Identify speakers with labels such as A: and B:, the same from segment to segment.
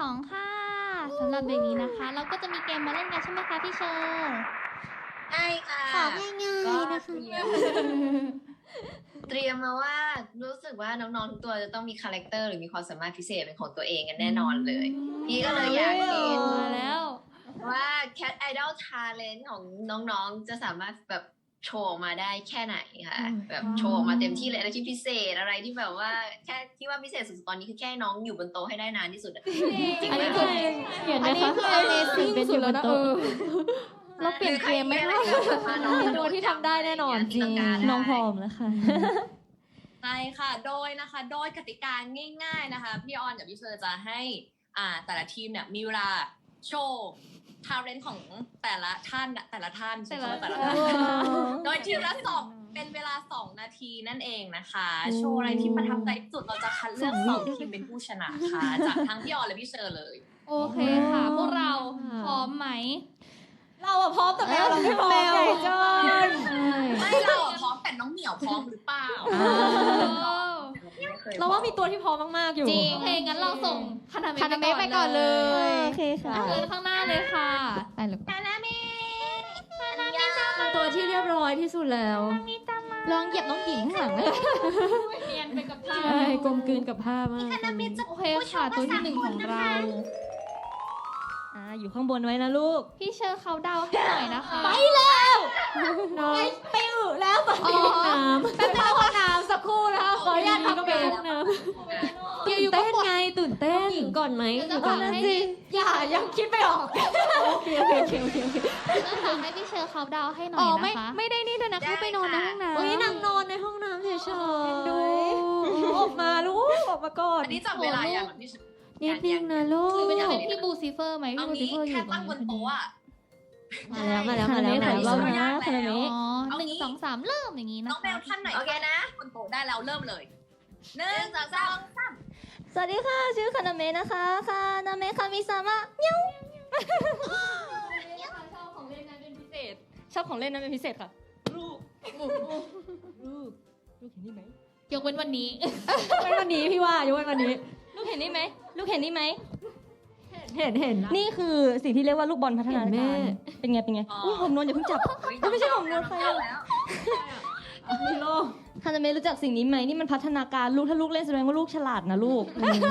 A: 2ค่ะสำหรับเบรกนี้นะคะ เราก็จะมีเกมมาเล่นกันใช่ไหมคะพี่เชอร์
B: ใช่ค่ะ
C: ของง่ายๆนะคะ
B: เตรียมมาว่ารู้สึกว่าน้องๆทุกตัวจะต้องมีคาแรคเตอร์หรือมีความสามารถพิเศษเป็นของตัวเองกันแน่นอนเลย พี่ก็เลยอยากเห็น
A: มาแล้ว
B: ว่า Cat Idol Talent ของน้องๆจะสามารถแบบโชว์ออกมาได้แค่ไหนค่ะแบบโชว์ออกมาเต็มที่เลยอะไรที่พิเศษอะไรที่แบบว่าแค่ที่ว่าพิเศษสุดๆตอนนี้คือแค่น้องอยู่บนโต๊ะให้ได้นานที่สุดอะจริง
A: อัน
B: ไหม
A: นี้คือเห็นไหมคะคือ Amazing
C: เป็น
A: สุ
C: อ
A: ด
C: ยู่
A: แล้วนะ
C: บนโต๊ะ
A: เราเปลี่ยนเกมไหมคะ
C: มีตัวที่ทำได้แน่นอนจริงน้องพร้อมแล้วค่ะ
D: ใช่ค่ะ โดยกติกาง่ายๆนะคะ พี่ออนกับพี่เชอร์จะให้แต่ละทีมเนี่ยมีเวลาโชว์ทาเลนต์ของแต่ละท่านใช่ไหมแต่ละท่านโดยทีมละเป็นเวลา2 นาทีนั่นเองนะคะ โชว์อะไรที่ประทับใจที่สุดเราจะคัดเลือก2 ทีมเป็นผู้ชนะค่ะจากทั้งพี่ออนและพี่เชอร์เลย
A: โอเคค่ะ พวกเราพร้อมไหม
C: เราอะพร้อมแต่แมวเราไม่พร้อมใหญ่จน
D: ไม่เราอะพร้อมแต่น้องเหมียวพร้อมหรือเปล่า
C: เราว่ามีตัวที่พร้อมมากๆอยู่
A: จริงโอเคงั้นเราส่งคานา
C: คานาเมะ
A: เมะ
C: ไป
A: ไป
C: ก่
A: ก่
C: อ
A: อน น
C: เล
A: เลย
C: โอเคค่ะ
A: เชิญข้างหน้าเลยค่ะได้เลย
C: ตัวที่เรียบร้อยที่สุดแล้วลองเหยียบน้องหญิงข้างหลังเลย
A: เนียนไปกับผ้า
C: ใช่กลมกลืนกับผ้ามาก
A: โอเคค่ะตัวที่1ของเรา
C: อยู่ข้างบนไว้นะลูก
A: พี่เชอร์เขาเดาให้หน่อยนะคะ
C: น้องไปอึแล้วไปห้องน้ำไปเข้าห้องน้ำสักครู่นะคะขออนุญาตทำไปห้องน้ำตื่นเต้นไงตื่นเต้นหญิงก่อนไหม
A: จะฝากให้
C: ยังคิดไม่ออกโอเค
A: จะฝากให้พี่เชอร์เขาเดาให้หน่อ
C: อ๋
A: ย
C: อ
A: นะคะ
C: ไม่ได้นี่ด้วยนะเข้าไปนอนในห้องน้ำ
A: โอ้ย
C: นางนอนในห้องน้ำเฉยๆดูออกมาลูกออกมาก่อน
D: อันนี้จับเวลาอย่างพี่เชอร์
C: นิดนึงนะลูก
A: หรือเป็นจะเป็นพี่บูซิเฟอร์ไหม
D: เอา
A: พี่บูซิ
D: งี้
A: เฟอร์อยู่
D: แค่ตั้งบนโต๊ะอะ
C: มาแล้วมาแล้ว
D: คาราเมะ
C: เรานะคาราเมะ
A: อ๋อ1 2 3เริ่มอย่างนี้นะ
D: น้องแมวท่านไหน
B: โอเคนะ
D: บนโต๊ะได้แล้วเริ่มเลย1 2 3
C: สวัสดีค่ะชื่อคานาเมะนะคะคานาเมะคามิซามะ
A: ชอบของเล่นนั้นเป็นพิเศษ
C: ชอบของเล่นนั้นเป็นพิเศษค่ะลูกเห็นนี่ไหม
A: ยกเว้นวันนี้
C: เป็นวันนี้พี่ว่ายกเว้นวันนี้ลูกเห็นนี่ไหมลูกเห็นนี่ไหมเห็นนี่คือสิ่งที่เรียกว่าลูกบอลพัฒนาการเป็นไงอุ้ยผมนวลอย่าเพิ่งจับ ไม่ใช่ของนวลใครอะ
D: แล้ว
C: มีโลคานาเมะรู้จักสิ่งนี้ไหมนี่มันพัฒนาการลูกถ้าลูกเล่นแสดงว่าลูกฉลาดนะลูก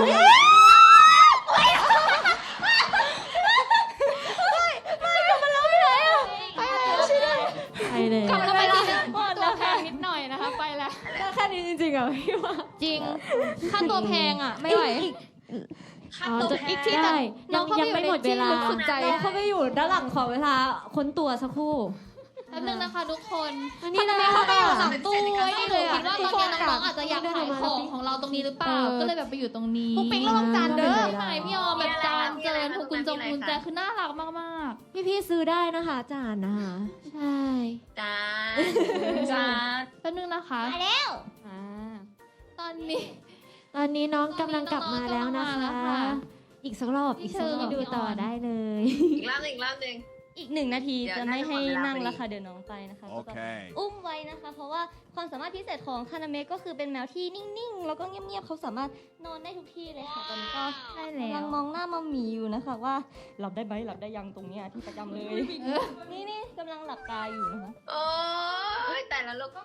C: ไปเลย
A: กลับมาไปตัวแพงนิดหน่อยนะคะ ไปแล้ว
C: แค่นี้จริงๆอ่ะพี่ว่า
A: จริง ค่าตัวแพงอ่ะ ไม่ไหว
D: ค่าตัวแพง
A: อีกที่
C: ได้
A: น้องเข้าไป
C: ยังไม่หมดเวลา
A: อยู่ในที่ลึกสุดใจ
C: น้องเข้าไปอยู่ด้านหลังขอเวลาค้นตัวสักครู่
A: แป๊บนึงนะคะทุกคน
C: อันนี้นะ
A: เข้าไปอยู่หลังตู้ไว้นี่เลย
C: อะ
A: คิดว่าตอนนี้น้องๆอาจจะอยากขายของเราตรงนี้หรือเปล่า ก็เลยแบบไปอยู่ตรงนี้
C: ปุ๊กปิ๊งระวังจานเด้อ
A: ใช่พี่ออมแบบจานเจิญถูกกุญแจคือน่ารักมาก
C: พี่ซื้อได้นะคะจานนะคะใช่
B: จ้า
D: จ้า
A: ๆแป๊บนึงนะคะ
C: อ่า
A: ตอนนี้
C: ตอนนี้น้องกำลังกลับมาแล้วนะ
A: น้องๆกำลังมาแล้ว
C: คะ
A: ค่ะ
C: อีกสักรอบดูต่อได้เลย
B: อีกรอบหนึ่ง
E: อีก1 นาที
B: เดี๋ยว
E: จะไม่ให้
B: น่าจะหมดเวลา
E: นั่ง
B: พอดี
E: แล้วค่ะเดี๋ยวน้องไปนะคะก็ต้อง
F: Okay.
E: อุ้มไว้นะคะ เพราะว่าความสามารถพิเศษของคานาเมะก็คือเป็นแมวที่นิ่งๆ แล้วก็เงียบๆเขาสามารถนอนได้ทุกที่เลยค่ะตอนนี้ก็
A: ใช่แล้ว
E: กำลังมองหน้ามัมหมีอยู่นะคะว่าหลับได้ไหมหลับได้ยังตรงเนี้ยที่ประจำเลย นี่กำลังหลับตาอยู่นะคะ
B: โอ้ยแต่ละลูก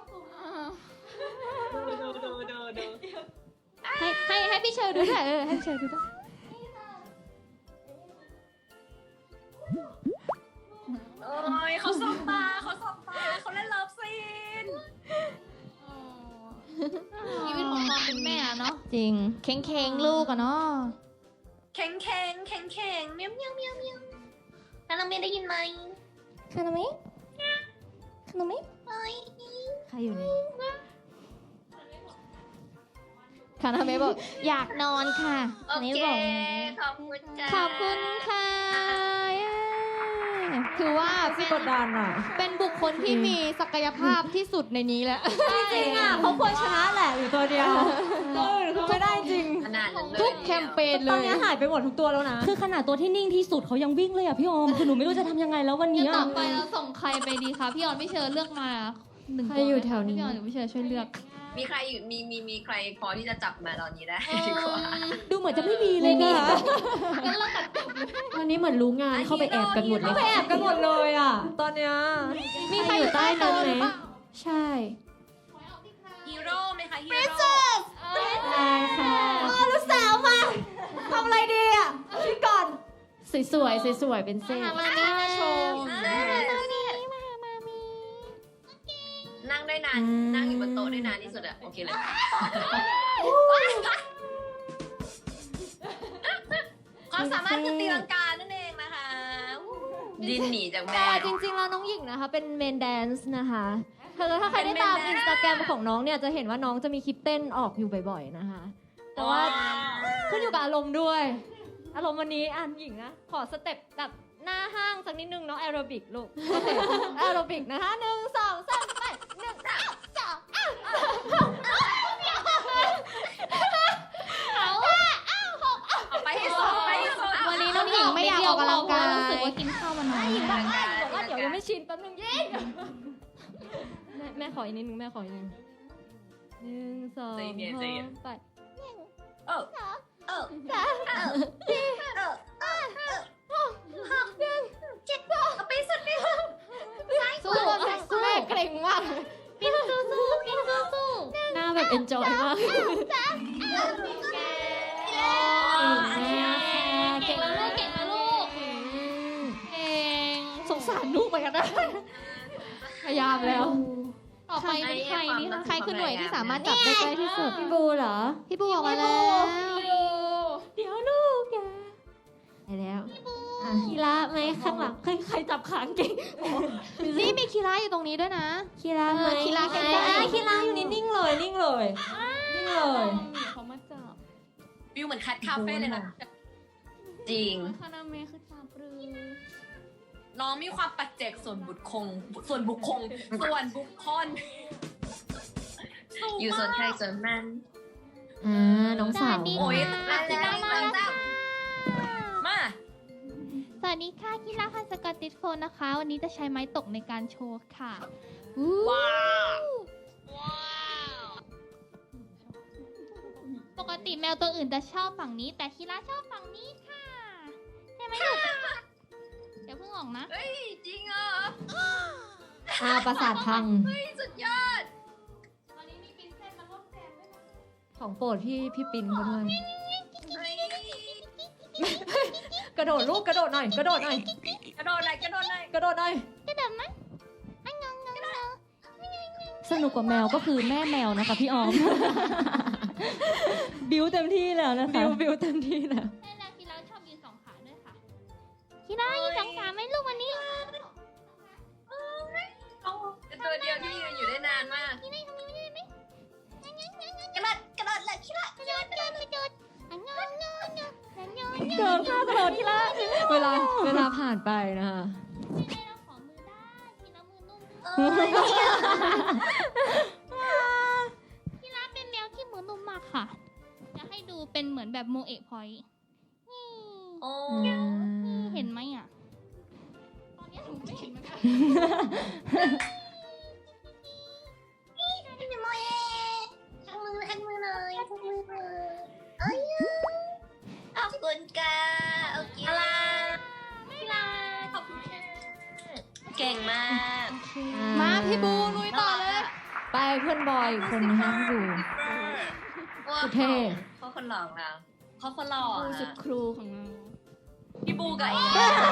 D: ดู
A: ให้พี่เชอร์ดูด้วยให้พี่เชอร์ดูด้วย
D: โอ้ยเขาสบตาเขาเล่นเลิฟซีน
A: ชีวิตของความเป็นแม่อะเนาะ
C: จริง
A: เค้งๆลูกอะเนาะ
D: แข็งเมียวคานาเมะได้ยินไหม
E: คานาเมะคานาเมะ
C: ใครอยู่นี่
A: คานาเมะบอกอยากนอนค่ะ
B: โอเคขอบคุณจ้า
A: ขอบคุณค่ะถือว่า
C: พี่กดดันอ่ะ
A: เป็นบุคคลที่มีศักยภาพที่สุดในนี้แหละ
C: จริงอ่ะเขาควรชนะแหละอยู่ตัวเดียวคือไม่ได้จริง
B: ขนาดนั้นเลย
A: ทุกแคมเปญเล
C: ตอน
A: ย
C: นี้หายไปหมดทุกตัวแล้วนะ
E: คือขนาดตัวที่นิ่งที่สุดเขายังวิ่งเลยอ่ะพี่ออมคือหนูไม่รู้จะทำยังไงแล้ววัน
A: งั้
E: นี้
A: นต่
E: อะ
A: อไปเราส่งใครไปดีคะพี่ออนพี่เชอร์เลือกมา1
C: ใครอยู่แถวนี้
A: พี่ออนหรือพี่เชอร์ช่วยเลือก
B: มีใครอยู่มีใครพอที่จะจับมาตอนนี้ได้ดีกว่า
C: ดูเหมือนจะไม่มีเลยค่ะ
A: งั้นเราตัดจบเลย
F: วันนี้เหมือนรู้งานเข้าไปแอบกันหมดเลย
C: ไปแอบกันหมดเลยอ่ะ ตอนเนี้ย
F: มีใครอยู่ใต้นั้นไหมใช่
D: ฮีโร่ไหมคะฮีโร่
F: ได้ค่ะ
C: ลูกสาวมาทำอะไรดีอ่ะคิดก่อน
F: สวยๆสวยๆเป็นเส้น
A: มานี่มาโชว์
B: นั่งได้นานนั่งอยู่บนโต๊ะได้นานที่สุดอะโอเคเลย
D: ความสามารถคือตีลังกานั่นเองนะคะ
B: ดินหนีจากแม่
F: แต่จริงๆแล้วน้องหญิงนะคะเป็นเมนแดนซ์นะคะถ้าใครได้ตามอินสตาแกรมของน้องเนี่ยจะเห็นว่าน้องจะมีคลิปเต้นออกอยู่บ่อยๆนะคะ แต่ว่าขึ้นอยู่กับอารมณ์ด้วย อารมณ์วันนี้หญิงนะขอสเต็ปแบบหน้าห้างสักนิดนึงเนาะแอโรบิกลูกโอเคแอโรบิกนะคะ1 2 3ไป1
D: เอาไปให้สุดไปให้สุด
A: วันนี้น้องหญิงไม่อยากออกกำลังกายรู้สึกว่ากินข้าวมาน้อย
F: บอกว่าเดี๋ยวยังไม่ชินแป๊บนึงยิงแม่ขออีกนิดนึงแม่ขออีกนิดนึง1 2
D: ใจเย็นใจเย็น
F: 3ไป
A: สู้สู้
F: แม่เกรงมาก
A: ปิ้นสู้สู้ปิ้นสู้สู้
F: หน้าแบบเอนจอยมาก
A: เก่งแล้วลูกเก่งแล้วลูกเก่ง
F: สงสารลูกเหมือนกันนะพยายามแล้ว
A: ต่อไปเป็นใครนี่คะใครคือหน่วยที่สามารถจับได้ใกล้ที่สุด
F: พี่บูเหรอ
A: พี่บูออกมาแล้ว
F: เดี๋ยวลูกแกไปแล้วคีระไหมข้างหลังใครจับขางเก่ง
A: นี่มีคีร่าอยู่ตรงนี้ด้วยนะ
F: คีระไหม
A: คีระใกล้ๆ
F: คีระอยู่นิ่งๆเลยนิ่งเลยนิ่งเลย
A: เขามาจับ
D: วิวเหมือนคัดคาเฟ่เลยนะ
B: จริง
A: คานาเมะคือจับปรือ
D: น้องมีความปัจเจกส่วนบุคคลส่วนบุคคลสูง
B: อยู่ส่วนใครส่วนมัน
F: น้องสาว
D: โอ้ย
B: มาแล้ว
D: มา
A: สวัสดีค่ะคีร่าพันสกอตติชโฟนนะคะ วันนี้จะใช้ไม้ตกในการโชว์ค่ะ
D: ว้าว
A: ปกติแมวตัวอื่นจะชอบฝั่งนี้ แต่คีร่าชอบฝั่งนี้ค่ะใช่ไหมลูกเดี๋ยวเพิ่งออกนะ
B: เฮ้ยจริงเหรอ
F: ประสาทพัง
B: เฮ้ยสุดยอด
A: วันนี้มีปิ้นเส้นมาร่วมแจมด้วยนะ
F: ของโปรดพี่ปินเขาด้วย
B: เฮ้ย
F: กระโดดลูกกระโดดหน่อยกระโดดหน่อย
D: กระโดดหน่อยกระโดดหน่อย
F: กระโดดหน่อย
A: กระโดดมั้ยอันงงงง
C: สนุกกว่าแมวก็คือแม่แมวนะคะพี่ออม บิวเต็มที่แล้วนะคะบิวเต็มที่แล้ว
A: ใช่แล้วคีร่าชอบยืนสองขาด้วยค่ะคีร่ายืนสองขาไหมลูกวันนี้
B: เป็นตัวเดียวที่ยืนอยู่ได้นานมาก
A: กระโดดเลยคีร่ากระโดดอันงงงงอันงงง
C: เกินค่ากระโดดที่ละ
F: เวลาผ่านไปนะคะ
A: ไม่ได้เราขอมือได้คีร่ามือนุ่มคีร่าเป็นแมวที่มือนุ่มมากค่ะจะให้ดูเป็นเหมือนแบบโมเอะพอยต์นี่
D: โอ้
A: เห็นไหมอ่ะ ตอนนี้หนูไม่เห็นเหมือนกัน
B: ขอบคุณค่ะโอเค
D: อะไร
A: ไม่ลา
D: ขอบคุณค่ะ
B: เก่งมาก
A: มาพี่บูลุยต่อเลย
F: ไปเพื่อนบอยอีกคนนะคะอยู่ สุดเท่
B: เขาคนหลอกเรา
D: เขาคนหล่อ
A: บูสุดครูของเรา
D: พี่บูกับไอ้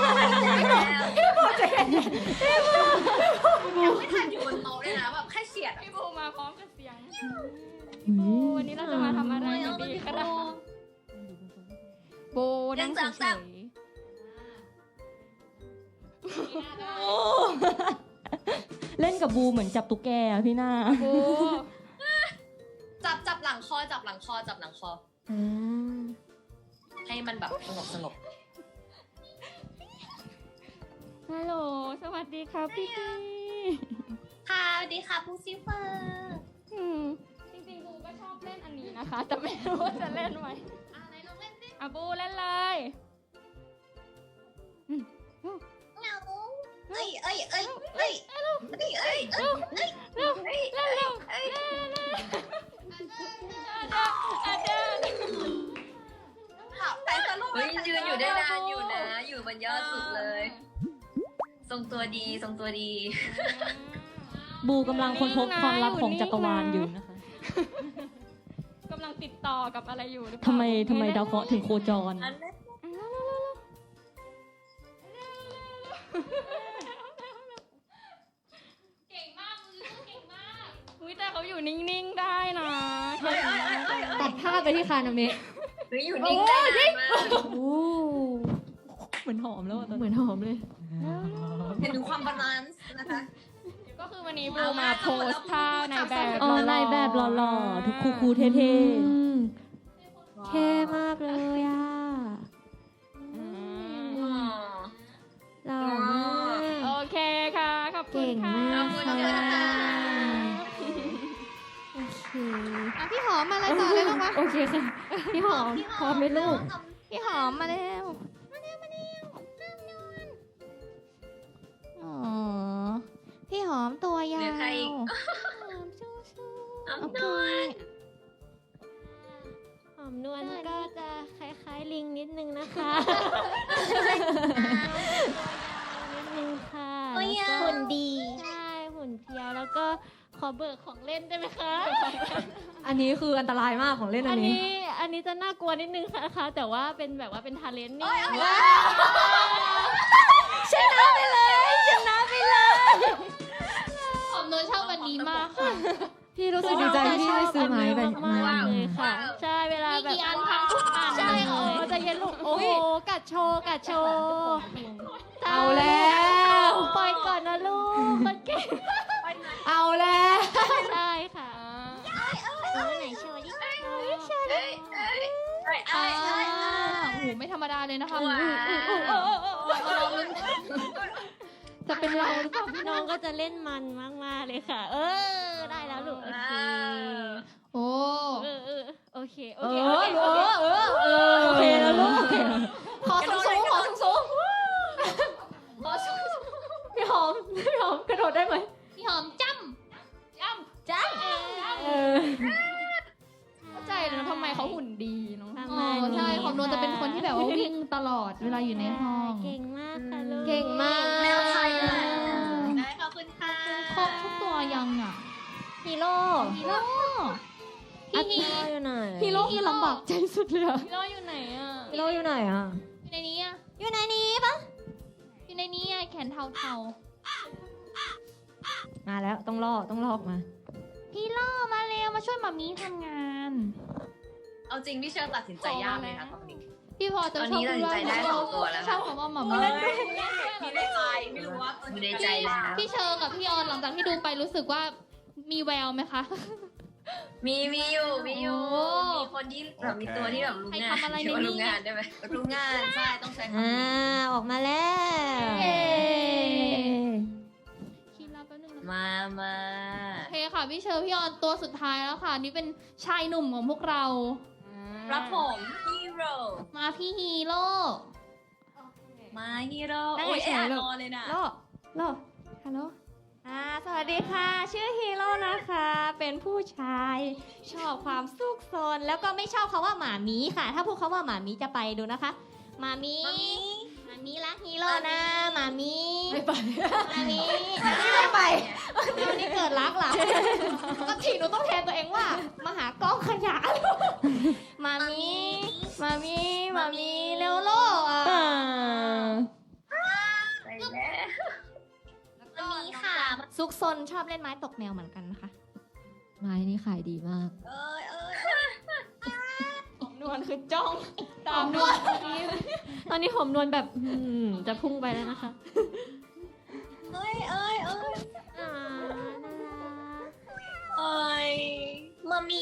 B: ไม่ทันอยู่บนโต๊ะเลยนะแบบแค่เฉียด
A: พี่บูมาพร้อมกับเสียง
C: วันนี้เราจะมาทำอะไรกันดีคะนะโบนั่งเฉย ๆเล่นกับบูเหมือนจับตุ๊กแกอะพี่หน้า
D: จับหลังคอจับหลังคอจับหลังคอ ให้มันแบบสงบ
C: ฮัลโหล สวัสดีครับพี่พี่
D: ค่ะสวัสดีค่ะผู้ซิเฟอร์
C: จริงๆบูก็ชอบเล่นอันนี้นะคะ แต่ไม่รู้ว่าจะเล่นไหม
A: ไหนลองเล่นสิ
C: บูเล่นเลย
A: เหงา
B: เอ้ยเอ้ยเอ้ยเอ้ยเอ้ยเอ้ยเอ้ยเอ้ยเอ้ยเอ้ยเอ้ยเอ้ย
D: แต่สรุป
B: เฮ้ยยืนอยู่ได้นานอยู่นะ อยู่บนยอดสุดเลย ทรงตัวดีทรงตัวดี
C: บูกำลังค้นพบความลับของจักรวาลอยู่นะคะ
A: กำลังติดต่อกับอะไรอยู่หรือเปล่า
C: ทำไมดาวเคราะห์ถึงโคจร
D: อันนั้น
A: เก่งมากมือเก่งมากอุ้ยแต่เขาอยู่นิ่งๆได้นะ
B: เฮ้ยเอ้ยเอ้ยเอ้ย
F: ตัดภาพไปที่คานาเมะ
B: เฮ้ยอยู่นิ่งได้นานมาก
F: โอ้
C: เหมือนหอมแล้วอะตอน
F: เหมื
C: นี้
F: อนหอมเลย
D: เห็นถึงความบาลานซ์นะคะ
A: ก็คือวันนี้บูมาโพสท่าในแบบ
C: อ๋อในแบบหล่อๆทุกคูๆเท่
F: อืมเท่มากเลยอ่ะ
B: อ๋อ
F: หล่อมาก
A: โอเคค่ะขอบคุณ
F: เก่ง
A: ค่ะ
F: มาก
B: ขอบคุณ
F: ค่ะ
B: ค่ะ
F: โอเค
A: พี่หอมมาเลยต่อเลยลูกวะ
F: โอเคค่ะ พี่หอมพร้อมไหมลูก
A: พี่หอมมาแล้วอ๋อพี่หอมตัวยา
B: เหลือใครอีก
A: ว
B: เอาหน่อย
F: หอมนวลก็จะคล้ายๆลิงนิดนึงนะคะ นิดนึงค่ะแล้วก็
E: หุ่นดี
F: ใช่หุ่นเพรียวแล้วก็ขอเบิกของเล่นได้ไหมคะ
C: ๆ อันนี้คืออันตรายมากของเล่นอันนี้
F: อันนี้จะน่ากลัวนิดนึงนะคะ แต่ว่าเป็นแบบว่าเป็นทาเลนต์นี่
C: ชนะไปเลย
A: หอมโนชอบวันนี้มากค่ะ
F: พี่รู้สึกดีใจที่ได้ซื้อไม้แบบมากๆเลยค่ะ ใช่เวลา
A: มี
F: แบบ
A: กี่อันพังทุกอัน
F: ใช่
A: เลย
F: อ๋อจะเย็นลูกโอ้โหกัดโชว์กัดโชว์
C: เอาแล้ว
F: ปล่อยก่อนนะลูกคนเก่ง
C: เอาแล้ว
F: ใช่ค่ะ
E: ไหนโชว์ดิ
B: เอ้ยเอ้ยเอ้ยเอ้ย
A: อ่า
B: เอ้ย
A: โอ้โหไม่ธรรมดาเลยนะคะ
B: ว้าว
A: เราลุ้น
F: จะเป็นเราหรือเปล่าพี่น้องก็จะเล่นมันมากๆเลยค่ะ ได้แล้วลูกโอเค
A: โอ้
F: โอเคโอ
C: เอ
F: เค
C: อ โอเคแล้วลูกโอเค
F: ขอสูงๆขอสูงๆขอสูงๆพี่หอมกระโดดได้ไหม
A: พี่หอมจ้ำ
C: เออ
A: เข้าใจเลยนะทำไมเขาหุ่นดีเนาะ
F: ประ
A: อ๋
F: มาณ
A: อ
F: นี้
A: ใช่หอมโนจะเป็นคนที่แบบว่าวิ่งตลอดเวลาอยู่ในห้อง
F: เก่งมากค่ะลูก
A: เก่งมาก
B: แมวไทยเลยได้ขอบคุณค่ะ
A: ครบทุกตัวยังอ่ะ
F: ฮีโร่
A: ฮีโร่พี่ฮี
F: อยู่ไหน
A: ฮีโร่คือลำบาก
F: ใจสุดเลยอะ
A: ฮีโร่อยู่ไหนอ่ะ
F: ฮีโร่อยู่ไหนอ่ะ
A: อยู่ในนี้อ่ะ
E: อยู่ในนี้ปะ
A: อยู่ในนี้อ่ะแขนเทา
C: มาแล้วต้องลอกมา
A: ๆฮีโร่มาเร็วมาช่วยหมามีทำงาน
D: เอาจริงพี่เชิญตัดสินใจยากเลยค่ะตอนนี้
A: พี่พอจะ
B: ตอน
A: ชอบ
B: นี้ตัดสินใจได้สองตัวแล้ว
A: ชอ
B: ค่ะ
A: บคำว่าหมามี
D: มีในใจไม่รู้ว่า
B: อยู่ในใจแล้ว
A: พี่เชอร์กับพี่ออนหลังจากที่ดูไปรู้สึกว่ามีแววไหมคะ
B: มีอยู่
A: โอ้
B: มีคนที่แบบมีตัวที่แบบรู้งาน
A: ใครทำอะไร
B: เรียกว่า
A: ในนี้
B: รู้งานได้ไหม
D: รู้งานใช่ต้องใช้คำ
F: อ่า
D: นี้
F: ออกมาแล้ว
A: เย้คิดแล้วแป๊บนึงนะ
B: มา
A: โอเคค่ะพี่เชอร์พี่ออนตัวสุดท้ายแล้วค่ะ นี่เป็นชายหนุ่มของพวกเรา
D: รับผมฮีโร่
A: มาพี่ฮีโร่
D: มาฮีโร่
F: นั่ง
D: โอ้ย
F: เฉยๆ
D: แอบ
F: ลูก
D: นอนเลยนะ
F: โลฮัลโหลสวัสดีค่ะ ชื่อฮีโร่นะคะ เป็นผู้ชาย ชอบความซุกซนแล้วก็ไม่ชอบคาว่าหมามีค่ะ ถ้าพูดคาว่าหมามีจะไปดูนะคะหมามีหมามีรักฮีโร่นะหมามีไม่ไปหมามีไม่ไปวันนี้เกิดรักเหรอปกติหนูต้องแทนตัวเองว่ามาหากล้องขยะหมามีหมามีเร็วโลอ่ะ
B: ไปแล้ว
E: มีค่ะ
F: ซุกซนชอบเล่นไม้ตกแนวเหมือนกันนะคะ ไม้นี่ขายดีมาก
D: เอ้ย
A: นวลคือจ้อง
F: ตามนวลตอนนี้ผมนวลแบบจะพุ่งไปแล้วนะคะ
D: เอ้ย
F: อ่าน่ารัก
D: เอ้ยมามี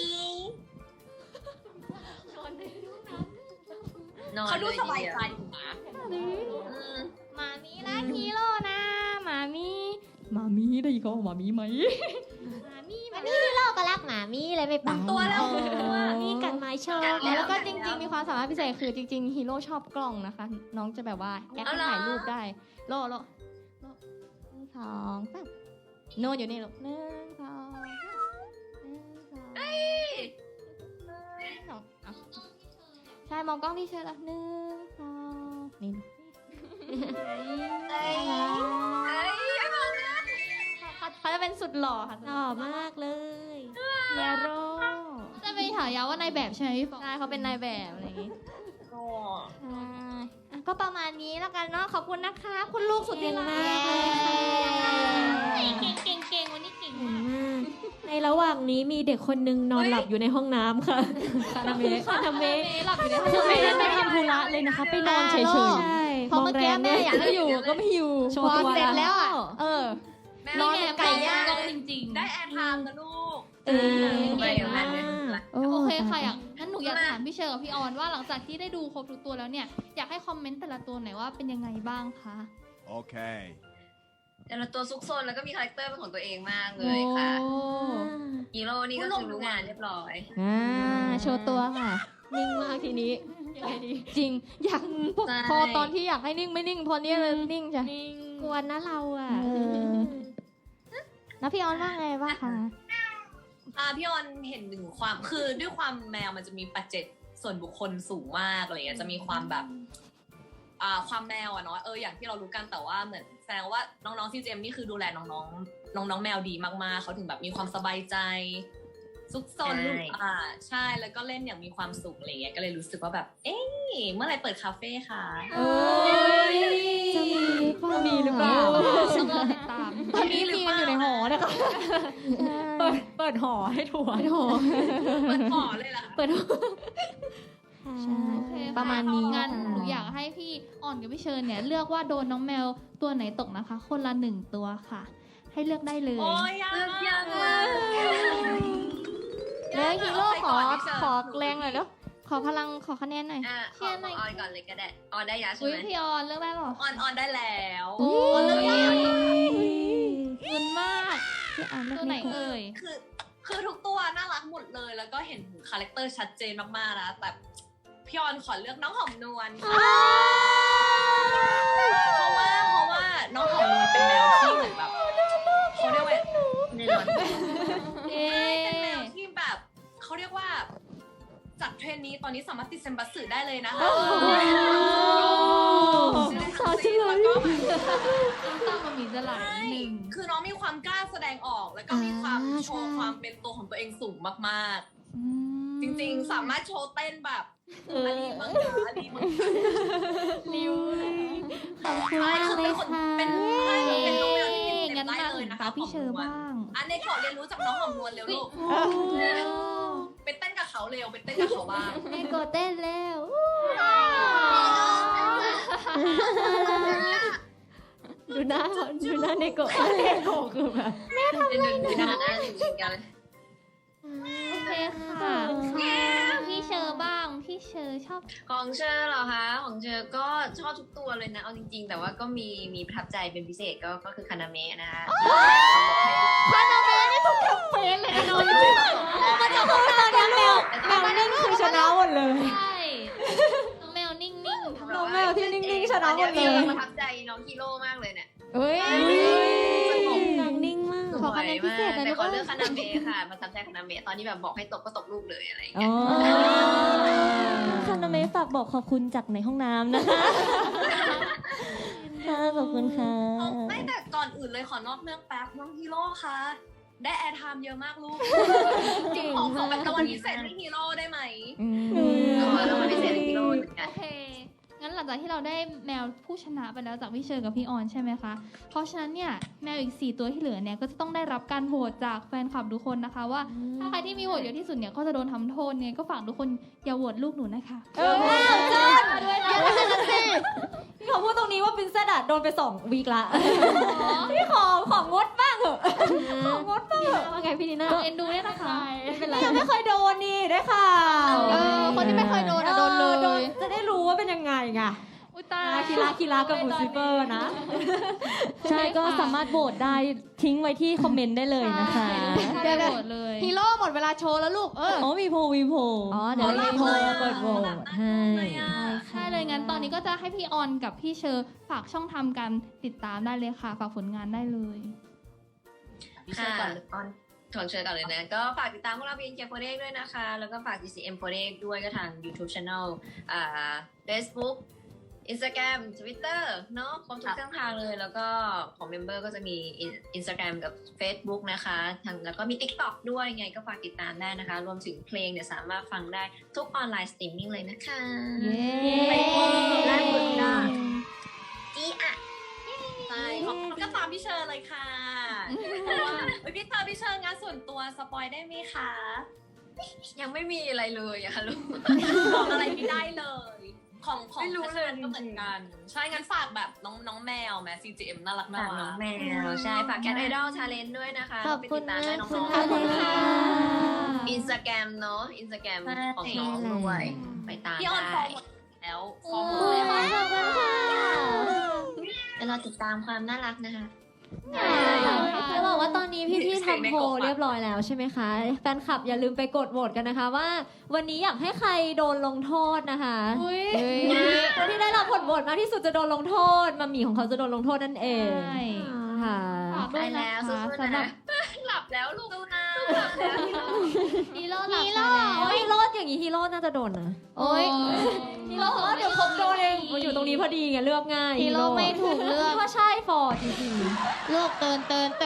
B: นอน
D: เขาดู
B: เลย
D: ส
B: ที
D: บาย
B: เดียว
D: ใจอยู่นะ
F: หมามีรักฮีโร่นะหมามี
C: มามีได้ยินเขาว่ามามีไหม
F: หมามี
E: ฮีโร่ก็รักหมามีเลยไม่ไป
D: ตัวแล้ว
F: หมามีกัดไม้ชอบ
C: แล้วก็จริงๆมีความสามารถพิเศษคือจริงๆฮีโร่ชอบกล้องนะคะ น้องจะแบบว่าแอปถ่ายรูปได้โล
E: 2 3โนนอยู่นี่ลูก1 2 3 1 2 1 2ใช่มองกล้องที่เชิญละ1 2นี่ เขาจะเป็นสุดหล่อค่ะ
F: หล่อมากเลยเฮียโร่
A: จะเป็นฉายาว่านายแบบใช่ไหมพี่ฟอง
E: ใช่เขาเป็นนายแบบอะไรอย่างงี้
D: โอ้
E: ใช่อ่ะก็ประมาณนี้แล้วกันเนาะขอบคุณนะคะ คุณลูกสุดที่รัก
A: เก่งวันนี้เก่ง
F: เก่ง
A: มาก
F: มาก ในระหว่างนี้มีเด็กคนนึงนอนหลับอยู่ในห้องน้ำค่ะคานาเมะ
A: หลับอยู่ในห้อง
C: คือไม่ได้ไปทำธุระเลยนะคะ ไปนอนเฉย
F: ใช่
E: เพราะเมื่อกี้แม่อยากให้อยู่ก็ไม่อยู่
C: ๆ โชว์ตัว
E: เสร็จแล้วอ่ะ
D: แม่
A: นอนไก่ย่าง
D: ได้
A: จริงๆ
D: ได้แอร์ไทม์นะลูก
B: ไปกับแม่เลย
A: โอเคค่ะงั้นหนูอยากถามพี่เชอร์กับพี่ออนว่าหลังจากที่ได้ดูครบทุกตัวแล้วเนี่ยอยากให้คอมเมนต์แต่ละตัวหน่อยว่าเป็นยังไงบ้างคะ
G: Okay.
B: แต่ละตัวซุกซนแล้วก็มีคาแรคเตอร์เป็นของตัวเองมากเลยค่ะฮีโร่นี่ก็คือรู้งานเรียบร้อย
E: โชว์ตัวค่ะ
F: นิ่งมากทีนี้ยังไงดี
E: จริงอยาก
B: ใช่
E: พอตอนที่อยากให้นิ่งไม่นิ่งพอเนี้ยเลยนิ่งจ้ะ
F: กวนนะเราอ่ะ
E: แล้วพี่ออนว่าไงบ้างคะ
D: พี่ออนเห็นถึงความคือด้วยความแมวมันจะมีปัจเจกส่วนบุคคลสูงมากอะไรเงี้ยจะมีความแบบความแมวอะเนาะอย่างที่เรารู้กันแต่ว่าเหมือนแสดงว่าน้องๆที่เจมนี่คือดูแลน้องแมวดีมากๆเขาถึงแบบมีความสบายใจซุกซน
B: ใช่
D: ใช่แล้วก็เล่นอย่างมีความสุขอะไรเงี้ยก็เลยรู้สึกว่าแบบเอ๊ะเมื่อไหร่เปิดคาเฟ่คะ
F: จะมีหรือเปล่า
A: ต้องรอติดตาม
E: ตอนนี้มีกันอยู่ในหอนะคะ
F: เปิดหอให้ทัวร์
D: เปิดหอเลยล่ะ
F: เปิดหอ
E: ใช่
A: โอเคค่
E: ประมาณนี้
A: งั้นหนูอยากให้พี่อ่อนกับพี่เชิญเนี่ยเลือกว่าโดนน้องแมวตัวไหนตกนะคะ คนละ1ตัวค่ะ ให้เลือกได้เลย
D: โอ้ยยาก
B: เลือกยาก
D: มาม
B: าก ก
E: แล้วฮีโร่ขอ
D: ใครก่อนพี่เชิญ
E: ขอแรงหน่อยแล้วขอพลังขอคะแนนหน่อย
B: ขอออนก่อนเลยก็ได้ออนได้ยาใช่
A: อุ้ย
B: ไหม
A: พี่ออนเลือกได้หรอ
D: ออนได้แล้ว
E: อุ๊ย
D: ออนเลือกแล้ว
A: เงินมาก
E: พี่ออนเลือก
A: ตัวไหน
E: ไม่ถูก
A: เอ่ย
D: คือทุกตัวน่ารักหมดเลย แล้วก็เห็นถึงคาแรคเตอร์ชัดเจนมากๆนะแต่พี่ออนขอเลือกน้องหอมนวลค่ะเพราะว่าน้องหอมนวลเป็นแมวที่เหมือนแบบเขาเรียกว่า
B: แน่นอน
A: เอ๊
D: เป็นแมวที่แบบเขาเรียกว่าจากเทรนนี้ตอนนี้สามารถติดเซมบัสสึได้เลยนะคะ
F: น้ำตาจะไหล
D: แล้วก็แบบ
A: น้ำตามันมีจะไหลหนึ่ง
D: คือน้องมีความกล้าแสดงออกแล้วก็มีความโชว์ความเป็นตัวของตัวเองสูงมากๆ จริงๆ สามารถโชว์เต้นแบบอาลีมังกาอาลีมังกา
E: ริวขอบคุณ
D: ใช่
E: มาก
D: คือ
E: เล
D: เป็
E: ย
D: นคน
E: ค่ะ
D: เป็นน้องแมวที่เป็นเต็
A: งั้
D: ม
A: น
D: ได้
A: มา
D: เล
A: ถึ
D: ย
A: ง
D: นะ
A: ตา
D: คะ
A: พี่เชอร์บ้าง
D: อันนี้ขอเรียนรู้จากน้องหอมนวลเร็วลูกไปเต้นกับเขาเร็วไปเต้นกับเขาบ้าง
E: แม่โกเต้นแล้ว
F: ดูหน้าเนโกะคือแบบ
B: เป็นหนึ่งกันนะหนึ่งกัน
A: โอเคค่ะ พี่เชอร์บ้าง พี่เชอร์ชอบ
B: ของเชอร์เหรอคะของเชอร์ก็ชอบทุกตัวเลยนะเอาจริงๆ แต่ว่าก็มีประทับใจเป็นพิเศษก็คือคานาเมะนะคะ
A: เป็นเลยนอน
F: แมวนิ่งคือชนะหมดเลย
A: ใช่น้องแมวนิ่งๆ
F: น้องแมวที่นิ่งๆชนะหมดเลย
B: ประทับใจน้องฮีโร่มากเลยเนี่ย
E: เฮ้ย
F: นางนิ่งมาก
E: ขอคะแนนพิเศษหน่อย
B: แต่ขอ
E: ลูก
B: เลือกคานาเมะค่ะประทับใจคานาเมะตอนนี้แบบบอกให้ตกก็ตกลูกเลยอะไรอย่าง
F: อ๋
B: เงี้ย
F: อ
C: คานาเมะฝากบอกขอบคุณจากในห้องน้ำนะคะค่ะขอบคุณค่ะ
D: ไม่แต่ก่อนอื่นเลยขอนอกเรื่องแป๊บน้องฮีโร่คะได้แอร์ไทม์เยอะมากลูกขอเป็นรางวัลพิเศษให้ฮีโร่ได้ไหม
B: แล้วมันพิเศษฮีโร่เหมือนกัน
A: โอเค งั้นหลังจากที่เราได้แมวผู้ชนะไปแล้วจากพี่เชอร์กับพี่ออนใช่ไหมคะ เพราะฉะนั้นเนี่ยแมวอีก4ตัวที่เหลือเนี่ยก็จะต้องได้รับการโหวตจากแฟนคลับทุกคนนะคะว่าถ้าใครที่มีโหวตเยอะที่สุดเนี่ยก็จะโดนทำโทษเนี่ยก็ฝากทุกคนอย่าโหวตลูกหนูนะคะ
F: พี่ขอพูดตรงนี้ว่าปรินเซสอะโดนไป2 วีคละพี่ของงดบ้างเหอะของงดบ้างเหอะว่าไงพี่นีน่า
A: เอ็นดูด้วยนะคะ
F: ไม่เป็นไรยังไม่เคยโดนนี่ได้ค่ะ
A: คนที่ไม่เคยโดนอะโดนเลย
F: จะได้รู้ว่าเป็นยังไงไง
A: อุ้ยตา
F: คีรากับบูซิเฟอร์นะ
C: ใช่ก็สามารถโหวตได้ทิ้งไว้ที่คอมเมนต์ได้เลยนะคะ
A: เดี๋ยวโหวตเลย
F: ฮีโร่หมดเวลาโชว์แล้วลูก
C: อ๋อมีโพล
F: อ๋อ เดี๋ยวมีโพลเปิดโหวตให้
A: ใช่เลยงั้นตอนนี้ก็จะให้พี่ออนกับพี่เชอร์ฝากช่องทางการติดตามได้เลยค่ะ ฝากผลงานได้เลย
D: พี่เชิญก่อนเลย
B: ออนถวงเชิญก่อนเลยนะ ก็ฝากติดตามพวกเรา BNK48 ด้วยนะคะ แล้วก็ฝาก GCM48 ด้วยก็ทาง YouTube Channel Facebook Instagram Twitter เนาะครบทุกช่องทางเลย แล้วก็ของเมมเบอร์ก็จะมี Instagram กับ Facebook นะคะแล้วก็มี TikTok ด้วยไงก็ฝากติดตามได้นะคะ รวมถึงเพลงเนี่ยสามารถฟังได้ทุกออนไลน์สตรีมมิ่งเลยนะคะ
C: เย้
B: ได้หมดนะจีอ่ะ
D: ใช่ของก็ตามพี่เชิญเลยค่ะเพราะว่าพี่เชิญงานส่วนตัวสปอยได้ไหมคะ
B: ยังไม่มีอะไรเลยอะค่ะลูก
D: บอกอะไรไม่ได้เลย ของ
B: ไม่รู้เลย
D: ก็เหมือนกัน ใช่งั้นฝากแบบน้องแมวแม CGM น่ารัก
B: ฝากน้องแมวใช่ ฝาก Cat Idol Challenge ด้วยนะคะ
F: ขอบคุณ
B: ไปติดตามได้น้อง
F: ขอบ
B: ๆ
F: คุณค่ะ
B: อินสตาแกรมเนาะอินสตาแกรมของน้องด้วย ไปตาม
D: พี่ออนฟอ
B: ได้
D: ร์มหมดแล้วฟอ
F: โอ้
D: ร์มหมด
F: ย
D: แล้ว
F: ขอบคุณค่ะ
B: ไปรอติดตามความน่ารักนะคะ
F: จะบอกว่าตอนนี้พี่ๆทำโพลเรียบร้อยแล้วใช่ไหมคะ แฟนคลับอย่าลืมไปกดโหวตกันนะคะว่า วันนี้อยากให้ใครโดนลงโทษนะคะ
A: อุ้ย
F: คนที่ได้รับผลโหวตมากที่สุดจะโดนลงโทษมัมหมี่ของเขาจะโดนลงโทษนั่นเอง
A: ใช่
F: ค่ะ
A: ฝากด้วย
B: ไปแล้
A: นะ
B: วสู้
A: คะ
B: ๆ
A: สำหรับ
B: นะ หลับแล้วลูกนะ
A: ฮีโร่หลับ
F: ฮี
A: ไป
F: โร่
A: แล้ว
F: โอ้ยฮีโร่อย่างนี้ฮีโร่น่าจะโดนนะ
A: โอ้ย
F: ฮีโร่บอกว่าเดี๋ยวผมโดนเองมันอยู่ตรงนี้พอดีไงเลือกง่าย
A: ฮีโร่ไม่ถูกเลือก
F: พี่ว่าใช่ฟอร์จริง
A: ลูกเตือนเลย
B: ห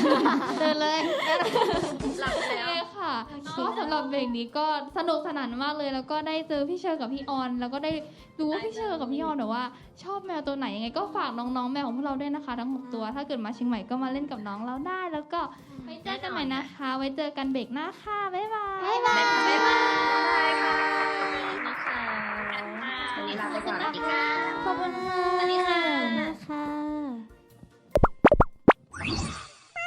B: ลับแล้ว
A: ใช่ค่ะก็สำหรับเบรกนี้ก็สนุกสนานมากเลย แล้วก็ได้เจอพี่เชอร์กับพี่ออน แล้วก็ได้รู้ว่าพี่เชอร์กับพี่ออนแบบว่า ชอบแมวตัวไหนยังไงก็ฝากน้องๆแมวของพวกเราด้วยนะคะ ทั้ง6ตัว ถ้าเกิดมาเชียงใหม่ก็มาเล่นกับน้องเราได้ แล้วก็ไว้เจอกันใหม่นะคะ ไว้เจอกันเบรกหน้าค่ะบ๊ายบาย
B: บ๊ายบายค่ะวันนี้ลาไปก่อนสวัสดีค่ะ
F: ๆขอบคุณค่ะ
B: สวัสดี